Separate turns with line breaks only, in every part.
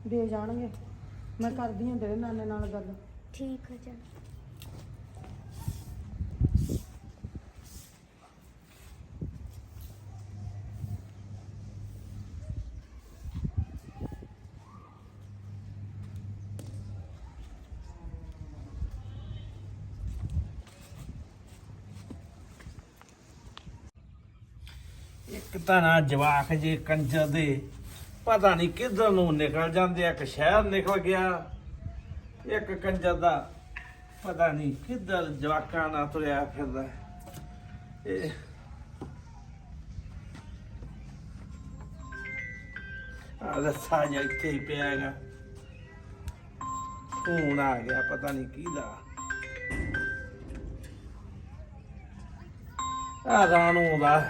ਦੇ ਜਾਣਗੇ। ਮੈਂ ਕਰਦੀ ਹਾਂ ਤੇਰੇ ਨਾਨੇ ਨਾਲ ਗੱਲ।
ਠੀਕ ਹੈ ਚਲ।
ਇੱਕ ਤਾਂ ਨਾ ਜਵਾਕ ਜੇ ਕੰਜਰ ਦੇ ਪਤਾ ਨਹੀਂ ਕਿੱਧਰ ਨੂੰ ਨਿਕਲ ਜਾਂਦੇ ਆ। ਇੱਕ ਸ਼ਹਿਰ ਨਿਕਲ ਗਿਆ, ਇੱਕ ਕੰਜਰ ਦਾ ਪਤਾ ਨਹੀਂ ਕਿੱਧਰ ਜਵਾਕਾਂ ਨਾਲ ਤੁਰਿਆ ਫਿਰਦਾ। ਇਹ ਰੱਸਾ ਜਿਹਾ ਇੱਥੇ ਹੀ ਪਿਆ ਹੈਗਾ। ਫੋਨ ਆ ਗਿਆ ਪਤਾ ਨਹੀਂ ਕਿਹਦਾ। ਆ ਰਾਣੂ ਦਾ।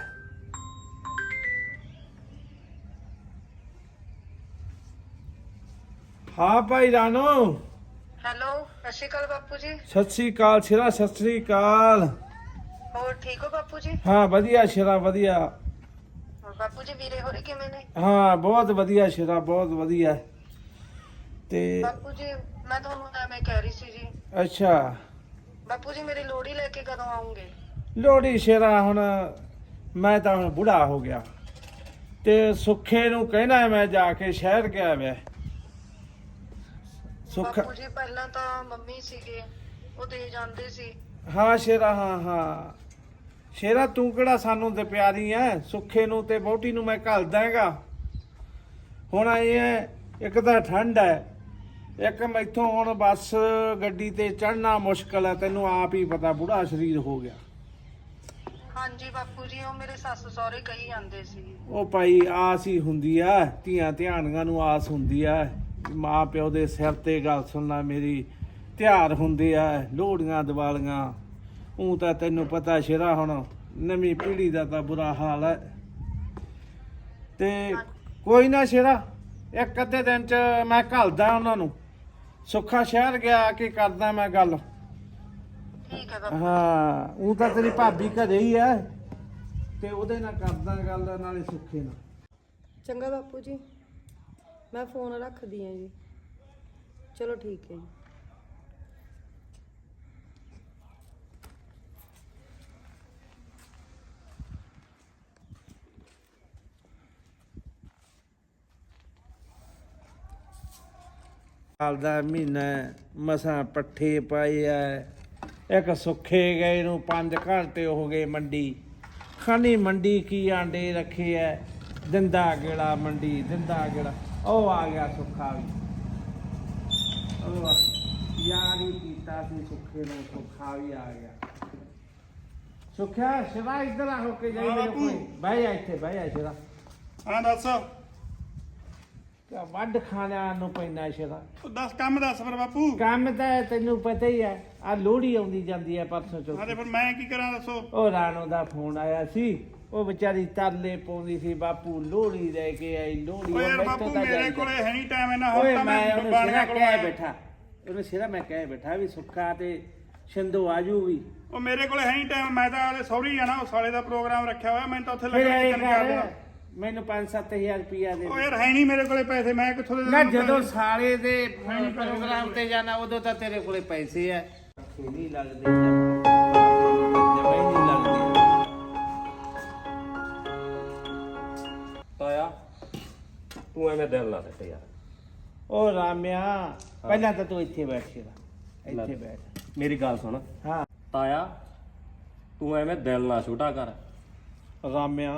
हाँ भाई रानो।
ਹੈਲੋ, ਸਤਿ ਸ਼੍ਰੀ ਅਕਾਲ ਬਾਪੂ ਜੀ।
सत श्री अकाल शेरा, सत श्री अकाल।
ਹੋਰ ਠੀਕ ਹੋ ਬਾਪੂ ਜੀ?
हाँ वधिया शेरा वधिया।
ਹੋਰ ਬਾਪੂ ਜੀ ਵੀਰੇ ਹੋਰੇ ਕਿਵੇਂ ਨੇ?
हाँ बहुत वधिया शेरा, बहुत वधिया। ते
ਬਾਪੂ ਜੀ ਮੈਂ ਤੁਹਾਨੂੰ ਐਵੇਂ ਕਹਿ ਰਹੀ ਸੀ ਜੀ।
अच्छा
ਬਾਪੂ ਜੀ ਮੇਰੀ ਲੋੜੀ ਲੈ ਕੇ ਕਦੋਂ ਆਉਂਗੇ?
लोहड़ी शेरा हुण मैं तो हुण बूढ़ा हो गया ते सुखे नूं कहना मैं जाके शहर गया वे। सुख
ਬਾਪੂ ਜੀ ਪਹਿਲਾਂ ਤਾਂ ਮੰਮੀ ਸੀਗੇ, ਉਹ ਦੇ ਜਾਂਦੇ ਸੀ।
हाँ शेरा, हाँ हाँ शेरा तू किहड़ा सानू ते प्यारी है। सुखे नूं ते वोटी नूं मैं घल दांगा। हुण आए है एक तां ठंड है, एक मैथों हुण बस गड्डी ते चढ़ना मुश्किल है। तैनूं आप ही पता बूढ़ा शरीर हो गया।
ਹਾਂਜੀ ਬਾਪੂ ਜੀ ਉਹ ਮੇਰੇ ਸੱਸ ਸਹੁਰੇ ਕਹੀ ਜਾਂਦੇ ਸੀ।
ਉਹ ਭਾਈ ਆਸ ਹੀ ਹੁੰਦੀ ਆ, ਧੀਆਂ ਧਿਆਣੀਆਂ ਨੂੰ ਆਸ ਹੁੰਦੀ ਆ। ਮਾਂ ਪਿਓ ਦੇ ਸਿਰ ਤੇ ਗੱਲ ਸੁਣਨਾ ਮੇਰੀ ਤਿਉਹਾਰ ਹੁੰਦੇ ਆ, ਲੋਹੜੀਆਂ ਦੀਵਾਲੀਆਂ। ਉਹ ਤਾਂ ਤੈਨੂੰ ਪਤਾ ਸ਼ੇਰਾ ਹੁਣ ਨਵੀਂ ਪੀੜ੍ਹੀ ਦਾ ਤਾਂ ਬੁਰਾ ਹਾਲ ਹੈ। ਤੇ ਕੋਈ ਨਾ ਸ਼ੇਰਾ, ਇੱਕ ਅੱਧੇ ਦਿਨ ਚ ਮੈਂ ਘੱਲਦਾ ਉਹਨਾਂ ਨੂੰ। ਸੁੱਖਾ ਸ਼ਹਿਰ ਗਿਆ ਕਿ ਕਰਦਾ ਮੈਂ ਗੱਲ।
ਠੀਕ ਹੈ ਬਾਪੂ।
ਹਾਂ ਉਹ ਤਾਂ ਤੇਰੀ ਭਾਬੀ ਘਰੇ ਹੀ ਐ ਤੇ ਉਹਦੇ ਨਾਲ ਕਰਦਾ ਗੱਲ, ਨਾਲੇ ਸੁੱਖੇ ਨਾਲ।
ਚੰਗਾ ਬਾਪੂ ਜੀ, ਮੈਂ ਫੋਨ ਰੱਖਦੀ ਹਾਂ ਜੀ। ਚਲੋ ਠੀਕ ਹੈ ਜੀ।
ਸਾਲ ਦਾ ਮਹੀਨਾ ਮਸਾਂ ਪੱਠੇ ਪਾਏ ਐ। ਇੱਕ ਸੁੱਖੇ ਗਏ ਨੂੰ 5 ਘੰਟੇ ਹੋ ਗਏ ਮੰਡੀ ਖਾਨੀ। ਮੰਡੀ ਕੀ ਆਂਡੇ ਰੱਖੇ ਐ, ਦਿੰਦਾ ਗੇੜਾ ਮੰਡੀ, ਦਿੰਦਾ ਗੇੜਾ। ਉਹ ਆ ਗਿਆ ਸੁੱਖਾ ਵੀ। ਉਹ ਯਾਰ ਹੀ ਕੀਤਾ ਸੀ ਸੁੱਖੇ ਨੂੰ, ਸੁੱਖਾ ਵੀ ਆ ਗਿਆ। ਸੁੱਖਿਆ ਸ਼ਿਵਾ ਇੱਧਰ ਆ ਹੋ ਕੇ ਜਾਈ ਮੇਰੇ ਕੋਲ। ਬਹਿ ਜਾ ਇੱਥੇ, ਬਹਿ ਜਾ ਸ਼ਿਵਾ।
ਹਾਂ ਦੱਸ।
ਵੱਢ ਖਾਣਿਆਂ ਨੂੰ ਪੈਂਦਾ ਸ਼ਿਵਾ।
ਦੱਸ ਕੰਮ ਦੱਸ ਫਿਰ ਬਾਪੂ।
ਕੰਮ ਤਾਂ ਤੈਨੂੰ ਪਤਾ ਹੀ ਹੈ, ਆ ਲੋਹੜੀ ਆਉਂਦੀ ਜਾਂਦੀ ਹੈ ਪਰਸੋਂ ਚੌਥ।
ਹਾਂ ਤੇ ਫਿਰ ਮੈਂ ਕੀ ਕਰਾਂ ਦੱਸੋ।
ਉਹ ਰਾਣੋ ਦਾ ਫੋਨ ਆਇਆ ਸੀ, ਉਹ ਵਿਚਾਰੀ ਤਰਲੇ ਪਾਉਂਦੀ ਸੀ, ਬਾਪੂ ਲੋਹੜੀ ਲੈ ਕੇ ਆਈ ਲੋਹੜੀ।
ਓਏ ਯਾਰ ਬਾਪੂ ਮੇਰੇ ਕੋਲੇ ਹੈ ਨਹੀਂ ਟਾਈਮ ਇਹਨਾਂ।
ਓਏ
ਹੁਣ ਤਾਂ
ਮੈਂ
ਮੈਂ
ਉਹਨੂੰ
ਬਾਣੀਆਂ
ਸਿਰਾ
ਕੋਲ
ਕਹਿ ਬੈਠਾ, ਉਹਨੂੰ ਸਿਰਾ ਮੈਂ ਕਹਿ ਬੈਠਾ ਵੀ ਸੁੱਖਾ ਤੇ ਸ਼ਿੰਦੋ ਆਜੂ ਵੀ।
ਉਹ ਮੇਰੇ ਕੋਲੇ ਹੈ ਨਹੀਂ ਟਾਈਮ। ਮੈਂ ਤਾਂ ਆਲੇ ਸੌਰੀ ਜਾਣਾ, ਉਹ ਸਾਲੇ ਦਾ ਪ੍ਰੋਗਰਾਮ ਰੱਖਿਆ ਹੋਇਆ। ਮੈਂ ਤਾਂ ਉੱਥੇ
ਫਿਰ
ਲੱਗਣਾ
ਇਹ
ਚੱਲ ਗਿਆ।
ਕਰ ਮੈਨੂੰ 5-7 ਹਜ਼ਾਰ ਰੁਪਇਆ ਦੇ।
ਉਹ ਯਾਰ ਹੈ ਨਹੀਂ ਮੇਰੇ ਕੋਲੇ ਪੈਸੇ। ਮੈਂ ਕਿੱਥੋਂ ਦੇ
ਨਾ
ਦੇਵਾਂ
ਜਦੋਂ
ਪੈਸੇ?
ਸਾਲੇ ਦੇ ਪ੍ਰੋਗਰਾਮ ਤੇ ਜਾਣਾ ਉਦੋਂ ਤਾਂ ਤੇਰੇ ਕੋਲੇ ਪੈਸੇ ਆ। ਨਹੀਂ ਲੱਗਦੇ ਜਮਾਈ ਨਹੀਂ ਲੱਗਦੇ।
ਤਾਇਆ ਤੂੰ ਐਵੇਂ ਦਿਲ ਨਾ ਸੱਟ ਯਾਰ।
ਉਹ ਰਾਮਿਆ ਪਹਿਲਾਂ ਤਾਂ ਤੂੰ ਇੱਥੇ ਬੈਠ ਸ਼ੇਰਾ, ਇੱਥੇ ਬੈਠ।
ਮੇਰੀ ਗੱਲ ਸੁਣ।
ਹਾਂ
ਤਾਇਆ ਤੂੰ ਐਵੇਂ ਦਿਲ ਨਾ ਛੋਟਾ ਕਰ।
ਰਾਮਿਆ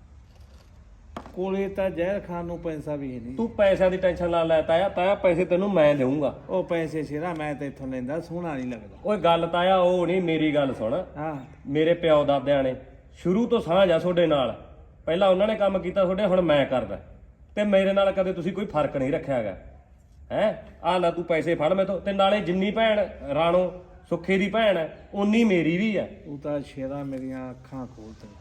ਕੋਲੇ ਤਾਂ ਜ਼ਹਿਰ ਖਾਨ ਨੂੰ ਪੈਸਾ ਵੀ ਨਹੀਂ।
ਤੂੰ ਪੈਸਿਆਂ ਦੀ ਟੈਨਸ਼ਨ ਨਾ ਲੈ ਤਾਇਆ। ਤਾਇਆ ਪੈਸੇ ਤੈਨੂੰ ਮੈਂ ਦੇਵਾਂਗਾ।
ਉਹ ਪੈਸੇ ਸ਼ੇਰਾ ਮੈਂ ਤਾਂ ਇੱਥੋਂ ਲੈਂਦਾ, ਸੋਹਣਾ ਨਹੀਂ ਲੱਗਦਾ।
ਓਏ ਗੱਲ ਤਾਇਆ ਉਹ ਨਹੀਂ, ਮੇਰੀ ਗੱਲ ਸੁਣ।
ਹਾਂ
ਮੇਰੇ ਪਿਓ ਦਾਦਿਆਂ ਨੇ ਸ਼ੁਰੂ ਤੋਂ ਸਾਂਝ ਆ ਤੁਹਾਡੇ ਨਾਲ। ਪਹਿਲਾਂ ਉਹਨਾਂ ਨੇ ਕੰਮ ਕੀਤਾ ਤੁਹਾਡੇ, ਹੁਣ ਮੈਂ ਕਰਦਾ। ਤੇ ਮੇਰੇ ਨਾਲ ਕਦੇ ਤੁਸੀਂ ਕੋਈ ਫਰਕ ਨਹੀਂ ਰੱਖਿਆ ਹੈਗਾ। ਹੈ ਆ ਲੈ ਤੂੰ ਪੈਸੇ ਫੜ ਮੈਥੋਂ। ਤੇ ਨਾਲੇ ਜਿੰਨੀ ਭੈਣ ਰਾਣੋ ਸੁੱਖੇ ਦੀ ਭੈਣ ਹੈ ਉਨੀ ਮੇਰੀ ਵੀ ਹੈ।
ਉਹ ਤਾਂ ਸ਼ੇਰਾ ਮੇਰੀਆਂ ਅੱਖਾਂ ਖੋਲ ਤੇ।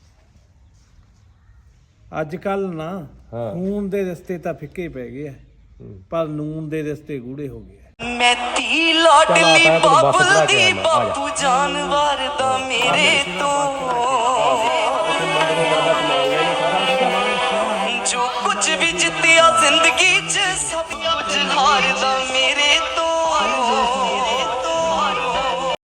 ਅੱਜ ਕੱਲ ਨਾ ਖੂਨ ਦੇ ਰਿਸ਼ਤੇ ਤਾਂ ਫਿੱਕੇ ਪੈ ਗਏ ਆ, ਪਰ ਨੂਨ ਦੇ ਰਿਸ਼ਤੇ ਗੂੜੇ ਹੋ ਗਏ।
ਮੈਂ ਤੀ ਲਾਡਲੀ ਬਾਬੂ ਦੀ ਬਾਪੂ ਜਾਨਵਰ ਦਾ ਮੇਰੇ ਤੋਂ